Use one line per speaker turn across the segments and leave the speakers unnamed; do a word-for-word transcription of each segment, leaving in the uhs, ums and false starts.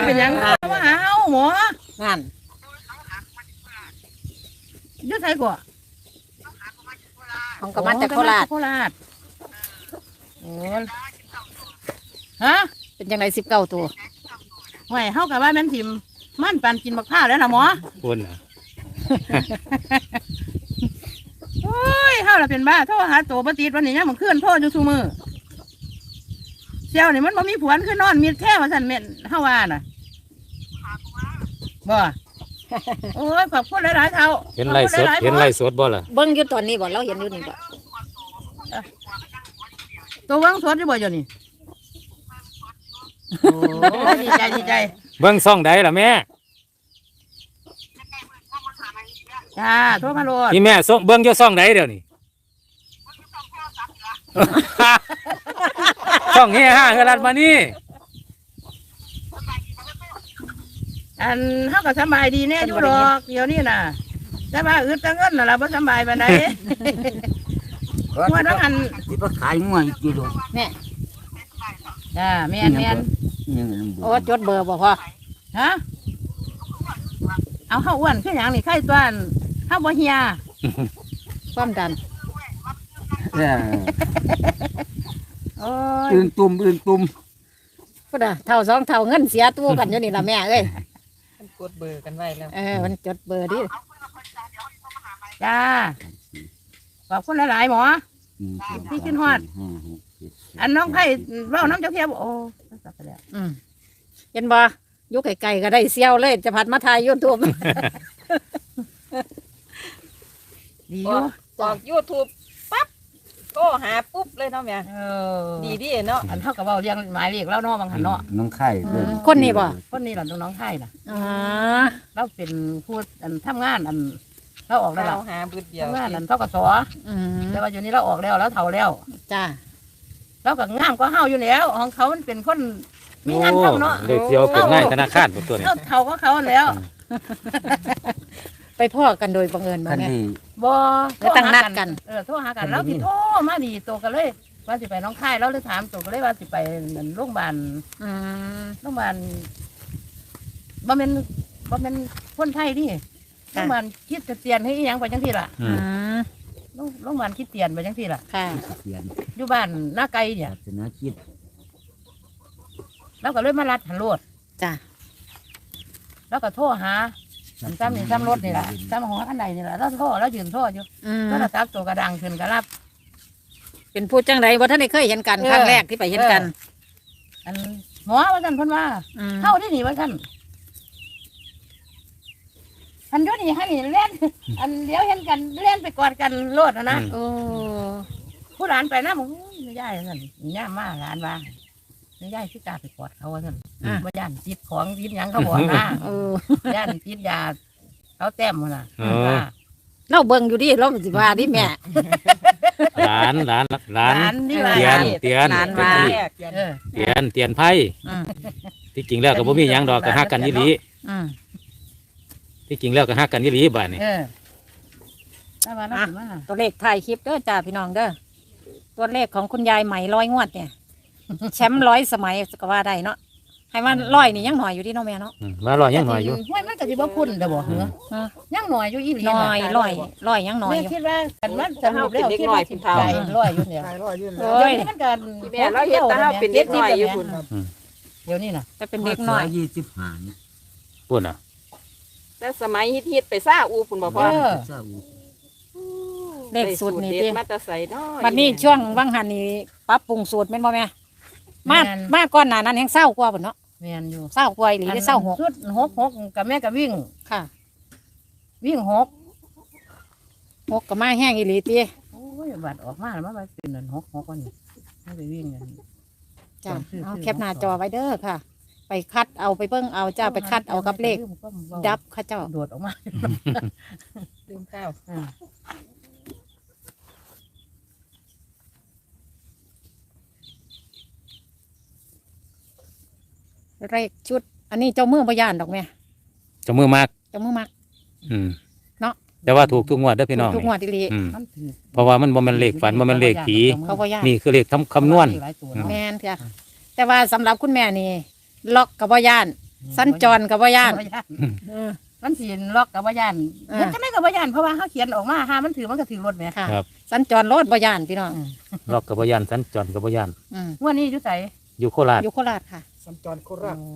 เป็นยังมาหาเฮาหมอ
นั่น
อยู่ไสก่อ
ของก็มาจากโคราช
โคราชโอ้ฮะ
เป็นจังไดสิบเก้าตัว
ห่วยเฮาก็ว่าแม่นทิมมันปันกินบักพร้าวแล้วล่ะหมอ
คุณน่ะ
โอ้ยเฮาล่ะเป็นบ้าโทรหาตัวบ่ติดวันนี้ยังมันคืนโทรอยู่ซุมื้อเสี่ยวนี่มันบ่มีผัวคือนอนมีแท้ว่าซั่นแม่นเฮาว่าน่ะบ่โอ้ยขอบคุณหลายๆเท่า
เห็นไล่สดเห็นไล่สดบ่ล่ะ
เบิ่งอยู่ตอนนี้บ่เราเห็นอยู่นี่บ่
ตัววังสดอยู่บ่อยู่นี่โอ้ดีใจดีใจ
เบิ่งซ่องใดล่ะแม่
จ้าโทรมาโลด
พี่แม่ส่งเบิ่งอยู่ซ่องใดเดี๋ยวนี้ซ่องเฮฮาเฮรัดมานี่
อันเฮาก็สบายดีแน่อยู่ดอกเดี๋ยวนี้น่ะแต่ว่าอึดแต่เงินน่ะล่ะบ่สบายปานใดว่าน้องอัน
สิไปขายงัวอีกกี่โล
แม่
จ้าแม่นแม่น
โอ้จดเบอร์บ่พอ
ฮะเอาเฮาอ้วนคือหยังนี่ไข้ต้วนเฮาบ่เฮีย
ความดัน
เออ
โอ้ย
อื่นตุ่มอื่นตุ่ม
พุ่นน่ะเท่าสองเท่าเงินเสียตู้กันอยู่นี่ล่ะแม่เอ้ย
มันกดเบอร์กันไว้แล้ว
เออมันจดเบอร์ดิ
จ้าขอบคุณหลายๆหมอที่ขึ้นฮอดอันน้องไผ่เว้าน้ำเจ้าเทียบโอ้สับไปแล้ว
อืมเห็นบ่อยู่ไกลๆก็ได้เซี่ยวเลยจะผัดมาถ่าย YouTube
ดีอยู่
ออก YouTube ปั๊บก็หาปุ๊บเลยเนาะแม่
เออ
ดีดิเนาะ
อันเท่ากับเว้าเรียงหมายเลขแล้วเนาะบางหันเนาะ
น้องไข่
คนนี้บ่
คนนี้ล่ะน้องไข่น่ะ
อ๋อ
เราเป็นผู้อันทำงานอันเราออกแล้ว
หาบึดเดียว
ทำงานอันเท่ากับสอ
อืม
แต่ว่าอยู่นี้เราออกแล้วแล้วเฒ่าแล้ว
จ้า
เราก็งามก็เฮาอยู่แล้วของเขามันเป็นคนมีงานทำเนาะ
เด็กเดียวเป็นนายธนาคารบ่ตัวนี้
เฒ่าก็เขาแล้ว
ไปพ่อกันโดยบังเอิญบ่แม่
บ่
แล้วตั้งนัดกัน
เออโทรหากันแล้วสิโทรมาดีโตกันเลยว่าสิไปน้องค่ายแล้วเลยถามโตกันเลยว่าสิไปโรงพยาบาล
อืม
โรงพยาบาลบ่แม่นบ่แม่นคนไทยดิโรงพยาบาลคิดจะเตียนให้อีหยังไปจังซี่ล่ะ
อืม
โรงพยาบาลคิดเตียนไปจังซี่ล่ะ
ค่ะ
อยู่บ้านหน้าไกลเนี่ย
ชนะคิด
แล้วก็เลยมารัดหันโลด
จ้ะ
แล้วก็โทรหาซ้ำนี่ซ้ำรถนี่แหละซ้ำหัวขันใดนี่แหละแล้วโทรแล้วยืนโทรอยู่ก็ระดับตัวกระดังขึ้นกระรับ
เป็นผู้จังไรว่าท่านได้เคยเห็นกันครั้งแรกที่ไปเห็นกัน
อันหมอว่าท่านเพิ่นว่าเข้าที่นี่ว่าท่านอันยุนี่ให้นี่เล่นอันเดี๋ยวเห็นกันเล่นไปกอดกันโลดนะนะ
โอ้
ผู้หลานไปนะผมไม่ได้นั่นย่ามาหลานว่าไม่ได้ที่ตาไปกอดเขาว่าท่านว่าย่านติดของติดยังเขาบอกนะย่านติดยาเขาแต้มน่ะ
เราเบิ่งอยู่ดิเราสิว่าดิแม่
หลานหลานหลานเตียนเตียน
หลานว่า
เตียนเตียนไพ่ที่จริงแล้วก็บ่มีหยังดอกก็ฮักกันอีหลีที่จริงแล้วก็ฮักกันอีหลีบ้านนี่
ตัวเลขถ่ายคลิปเด้อจ้าพี่น้องเด้อตัวเลขของคุณยายใหม่ร้อยงวดเนี่ยแชมป์ร้อยสมัยก็ว่าได้เนาะให้มันร้อยนี่ยังหน่อยอยู่ที่น้องแม่เนาะ
มาร้อยยังหน่อยอยู่
ห้วยมันก็สิบ่พุ่นเด้อบ่เหรอยังหน่อยอยู่อีหลี
หน่อยร้อยร้อยยังหน่อย
อยู่คิดว่ากันมันสรุปแล้วคิดว่าสิบเท่าร้อยอยู่เนี่ยร้อยอยู่เนี่ยเดี๋ยวนี้มันกัน
แม่เราเฮ็ดแต่เฮาเป็นเด็กน้อยอยู่พุ่น
เดี๋ยวนี้น่ะ
แต่เป็นเด็กน้อย
ยี่สิบห้า
พุ่นน่ะ
แต่สมัยฮิตๆไปซ่าอูพุ่นบ่พ่อ
เลขสูตรนี่ติ
มาแต่ใส่น้อย
บัดนี้ช่วงวังหันนี่ปรับปรุงสูตรแม่นบ่แม่มามาก่อนหน้านั้นแฮงเศร้ากว่าพุ่นเนาะ
แม่นอยู่
เศร้ากว่าอีหลีได้เศร้าหก
ชุดหกหกกับแม่ก็วิ่ง
ค่ะ
วิ่งหก
หกก็มาแห้งอีหลีติ
โอ้ยบาดออกมาแล้วมาเป็นนั่นหกหกว่านี่ไม่ไปวิ่งกัน
จ้ะเอาแคปหน้าจอไว้เด้อค่ะไปคัดเอาไปเบิ่งเอาจ้าไปคัดเอากับเลขดับค่ะเจ้า
โดดออกมา
ลืมข้าว
เลขชุดอันนี้เจ้ามือพยานดอกแม่
เจ้ามือมาก
เจ้ามือมาก
อืม
เนาะ
แต่ว่าถูกทุกงวดเด้อพี่น้อง
ทุกงวดดี
ๆเพราะว่ามันบ่แม่นเลขฝันบ่แม่นเลขผีนี่คือเลขทำคำนวณ
แม่นค่ะแต่ว่าสำหรับคุณแม่นี่ล็อกกับพยานสัญจรกับว่าย่าน
บ่ย่าน
เออ
มันสิล็อกกับว่าย่าน
เออ
มันก็ได้กับว่าย่านเพราะว่าเขาเขียนออกมาหามันถือมันก็ถือรถแหม
ค่ะ
ครับ
สัญจรรถบ่ย่านพี่น้อง
ล็อกกับบ่ย่านสัญจรกับบ่ย่าน
อืม
งวดนี้อยู่ไส
อยู่โคราช
อยู่โคราชค่ะ
สัญจรโคราช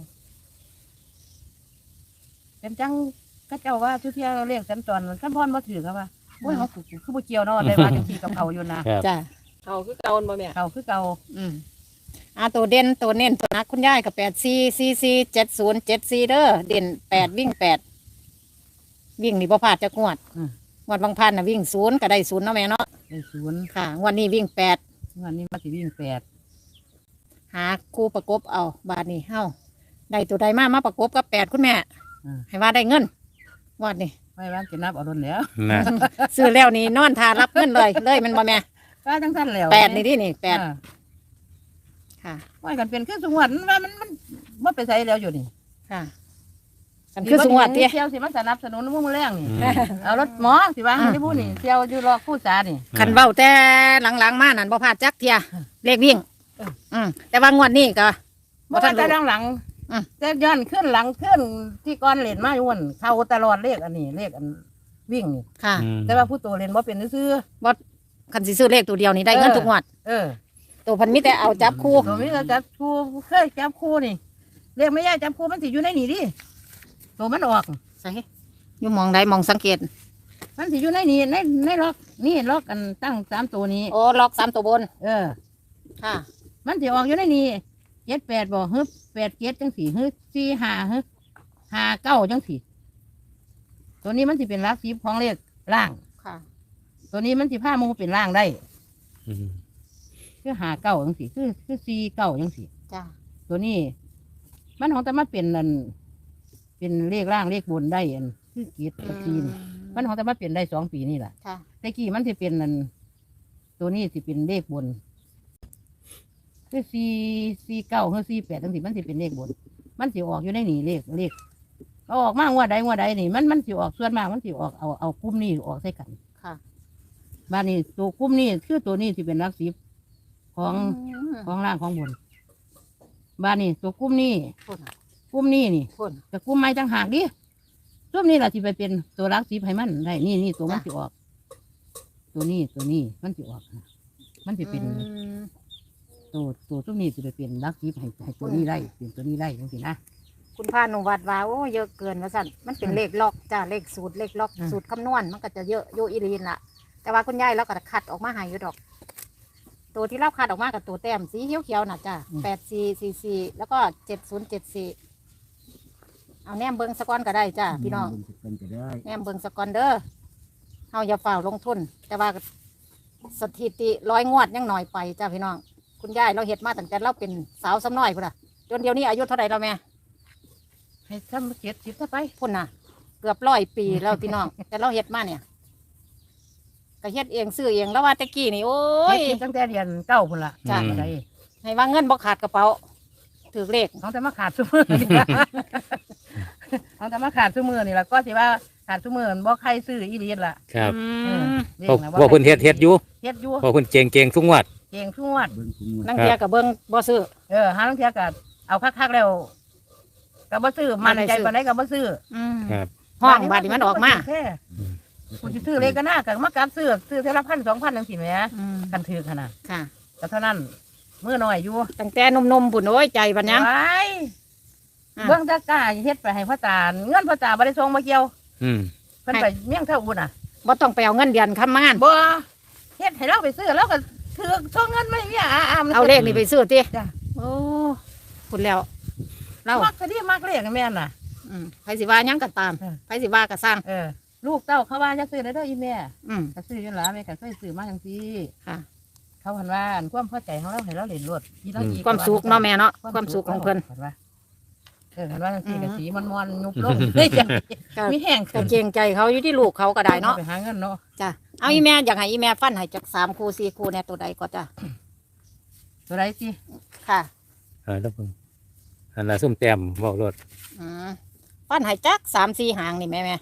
เป็นจังก็เจ้าว่าทุกเที่ยวเรียกสัญจรขั้นพรบ่ถือครับว่าโอ้ยเขาคือบ่เกี่ยวเนาะได้ว่าจังซี่กับเขาอยู่นะครับ
จ้า
เขาคือเก่าบ่แม่
เขาคือเก่า
อืมอ่าตัวเด่นตัวเน้นตัวนักคุณยายกับแปดสี่สี่สี่เจ็ดศูนย์เจ็ดสี่เด้อเด่นแปดวิ่งแปดวิ่งนี่บ่พลาดจะงวดงวดบางพันน่ะวิ่งศูนย์ก็ได้ศูนย์เนาะแม่เนาะ
ได้ศูนย์
ค่ะงวดนี้วิ่งแปด
งวดนี้มันสิวิ่งแปด
หาคู่ประกบเอาบาทนี้เฮ้าได้ตัวใดมามาประกบกับแปดคุณแม่
อืม
ให้ว่าได้เงินงวดนี้
ไม่ว่าจะนับเอาโดนแล้ว
นะ
ซื้อแล้วนี่นอนทารับเงินเลยเลยมันบ่แม่
ก็จังซั่นแล้ว
แปดนี่ดินี่แปด
อ่า
ค่ะ
ว่ากันเป็นคือสงวนว่ามันมันบ่ไปไสแล้วอยู่นี่
ค่ะกันคือสงวด
ที่
ที่
เที่ยวสิมาสนับสนุนมุ่งแรงนี่เอารถหมอสิว่าให้พูดนี่เที่ยวอยู่รอคู่สานี่
ขันเบ้าแต่หลังๆมานั่นบ่พลาดจักเทียเลขวิ่ง
เออ
อืมแต่ว่างวดนี้ก็
เมื่อวานแต่หลัง
อืม
ๆแต่ย้อนขึ้นหลังขึ้นที่ก้อนเล่นมาอยู่วันเข้าตลอดเลขอันนี้เลขอันวิ่งนี่
ค่ะ
อืม
แต่ว่าผู้โตเล่นบ่เป็นซื่อ
บ่คันสิซื้อเลขตัวเดียวนี่ได้เงินทุกงวด
ๆเออ
ตัวพันมิแต่เอาจับคู่
ตัวนี้เราจับคู่เคยจับคู่นี่เลขไม่ยากจับคู่มันสิอยู่ในนี่ดิตัวมันออก
ใส่อยู่มองใดมองสังเกต
มันสิอยู่ในนี่ในในล็อกนี่ล็อกกันตั้งสามตัวนี้
โอ้ล็อกสามตัวบน
เออ
ค่ะ
มันสิออกอยู่ในนี่เจ็ดแปดบ่ฮึบแปดเจ็ดจังสี่ฮึบสี่ห้าฮึบห้าเก้าจังสี่ตัวนี้มันสิเป็นลักสีของเลขล่าง
ค่ะ
ตัวนี้มันสิผ้าหมูเป็นล่างได้
อืม
คือหาเก้าจังสี่คือคือสี่เก้าจังสี่
จ้า
ตัวนี้ มันของแต่มาเป็นนั่นเป็นเลขล่างเลขบนได้อันคือเกียรติกับซีนมันของแต่มาเป็นได้สองปีนี่แหละ
ค่ะ
แต่กี้มันสิเป็นนั่นตัวนี้สิเป็นเลขบนคือสี่สี่เก้าคือสี่แปดจังสี่มันสิเป็นเลขบน มันสิออกอยู่ในนี่เลขเลขเอาออกมางวดใดงวดใดนี่มันมันสิออกส่วนมากมันสิออกเอาเอากลุ่มนี้ออกใส่กัน
ค่ะ
บ้านนี้ตัวกลุ่มนี้คือตัวนี้ที่เป็นรักสิบของ
อืม
ของล่างของบนบ้านนี้ตัวกลุ่มนี้
พุ่น
กลุ่มนี้นี่
พุ่น
แต่กลุ่มไม้ต่างหากดิกลุ่มนี้แหละที่ไปเป็นตัวรักสิบให้มันได้นี่นี่ตัวมันสิออก ตัวนี้ตัวนี้มันสิออกนะมันสิเป็น
อืม
ตัวตัวกลุ่มนี้สิไปเป็นรักสิบให้ให้ตัวนี้ได้เป็นตัวนี้ได้จังสินะ
คุณพานุวัดว่าโอ้เยอะเกินว่าสั่นมันเป็นเลขล็อกจ้าเลขสูตรเลขล็อก
อืม
สูตรคำนวณมันก็จะเยอะโยอีรีนล่ะ แต่ว่าคุณยายเราก็คัดออกมาให้อยู่ดอก ตัวที่เราคัดออกมากับตัวแต้มสีเขียวๆน่ะจ้าแปดสี่สี่สี่แล้วก็เจ็ดศูนย์เจ็ดสี่เอาแนมเบิงสกอนก็ได้จ้าพี่น้อง
เป็นจะได้
แนมเบิงสกอนเด้อเฮาอย่าฝ่าลงทุน แต่ว่าสถิติร้อยงวดยังหน่อยไปจ้าพี่น้อง คุณยายเราเฮ็ดมาตั้งแต่เราเป็นสาวซ้ำน้อยพุ่นล่ะจนเดี๋ยวนี้อายุเท่าไหร่แล้วแม่
ให้ทำเจ็ดสิบถ้าไป
พุ่นน่ะ เกือบร้อยปีแล้วพี่น้อง แต่เราเฮ็ดมาเนี่ยก็เฮ็ดเองซื้อเองแล้วว่าแตะกี้นี่โอ้ย
เฮ็ดตั้งแต่เรียนเก้าพุ่นละ
จ้ะ
อะไร
ให้ว่าเงินบ่ขาดกระเป๋าถือเลข
เขาจะมาขาดซุมือนี่ล่ะ เขาจะมาขาดซุมือนี่ละก็สิว่าขาดซุมือบ่ใครซื้ออีเลียนล่ะ
ครับ
อื
เออ
ม
เรีย
พวก
นะ
พวกคุณเฮ็ดเฮ็ดอยู่
เฮ็ดอยู่
พวกคุณเจงเจงทุกงวด
เก่งทุกงวด
เบิ่งทุกงวด
นั่งเทียกับเบิ่งบ่ซื้อ
เออหาลังเทียก็เอาคักๆแล้วก็บ่ซื้อมันใจปานใดก็บ่ซื้อ
อืม
ครับ
ห้องบาดนี้มันออกมา
แท้กูสิซื้อเลขก็น่าก็มากลับซื้อซื้อเท่าละพันสองพันจังซี่แหม
อืม
กันถือขนาด
ค่ะ
ก็เท่านั้นมื้อน้อยอยู่
ตั้งแต่นมๆพุ่นโอ้ยใจบัดยัง
ไว้
อ่ะ
เบิ่งตะกร้าเฮ็ดไปให้พ่อตาเงินพ่อตาบ่ได้ส่งมาเกี่ยว
อืม
เพิ่นไปเมี่ยงเท่าอุ่นอ่ะ
บ่ต้องไปเอาเงินเดือนค้ำงาน
บ่เฮ็ดให้เราไปซื้อแล้วก็ถือส่งเงินไม่มีอาอาม
เอาเลขนี่ไปซื้อติ
จ้ะ
โอ้พุ่นแล้วเรา
มักซะดิมักเลขแม่นน่ะ
อืมไผสิว่าหยังก็ตาม
เออ
ไผสิว่าก็สร้าง
เออ ลูกเต้าเขาว่าจะซื้อได้เด้ออีแม่
อืม
ก็ซื้ออยู่หล่ะแม่ก็เคยซื้อมาจังซี่
ค่ะ
เขาหันว่าอันความพอใจของเราให้เราเล่นรถอีเราอีก
ความสุขเนาะแม่เนาะความสุขของเพิ่น
เห็นว่าเออเห็นว่าจังซี่ก็
อืม
สีมันม่วนๆยุบลงเฮ้ยจ้ะ
ก็
มีแห้ง
ก็เกรงใจเขาอยู่ที่ลูกเขาก็ได้เนาะ
ไปหาเงินเนาะ
จ้ะเอาอีแม่อยากให้อีแม่ฟันให้จากสามคู่สี่คู่เนี่ยตัวใดก็จ้ะ
ตัวไรสิ
ค่ะ
เออแล้วเพิ่งอันละส้มแต้มเว้ารถ
อืมฟันให้จักสามสี่หางนี่แม่แม่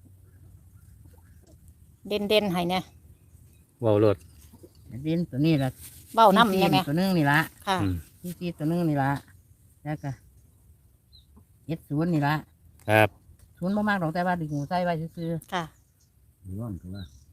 เด่นเด่นๆให้เนี่ย
เว้ารถ
ดินตัวนี้ล่ะ
เบ้าน้ำเนี่ยแม่
ตัวนึงนี่ละ
ค่ะ
อืม
ที่ที่ตัวนึงนี่ละแล้วก็เจ็ดศูนย์นี่ละ
ครับ
ศูนย์บ่มากหรอกแต่ว่าดึงหูใส่ไว้ซื่อ
ค่ะ
ร้อนก็ว่า
ๆ